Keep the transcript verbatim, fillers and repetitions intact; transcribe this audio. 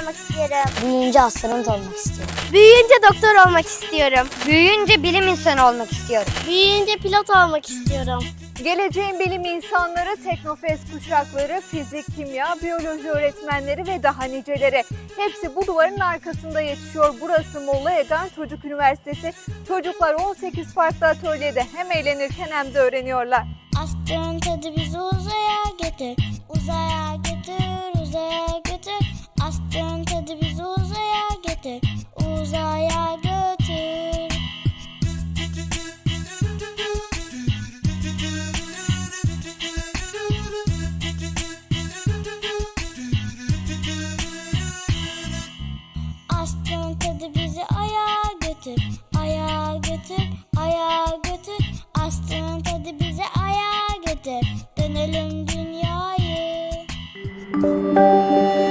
olmak istiyorum. Büyüyünce astronot olmak istiyorum. Büyüyünce doktor olmak istiyorum. Büyüyünce bilim insanı olmak istiyorum. Büyüyünce pilot olmak istiyorum. Geleceğin bilim insanları, Teknofest kuşakları, fizik, kimya, biyoloji öğretmenleri ve daha niceleri. Hepsi bu duvarın arkasında yetişiyor. Burası Molla Egan Çocuk Üniversitesi. Çocuklar on sekiz farklı atölyede hem eğlenirken hem de öğreniyorlar. Astronot hadi bizi uzaya götür. Uzaya götür, uzaya götür. Astronot hadi bizi uzaya götür. Uzaya götür. Astronot hadi bizi aya götür. Aya götür, aya götür. Astronot hadi bizi aya götür. Dönelim dünyayı.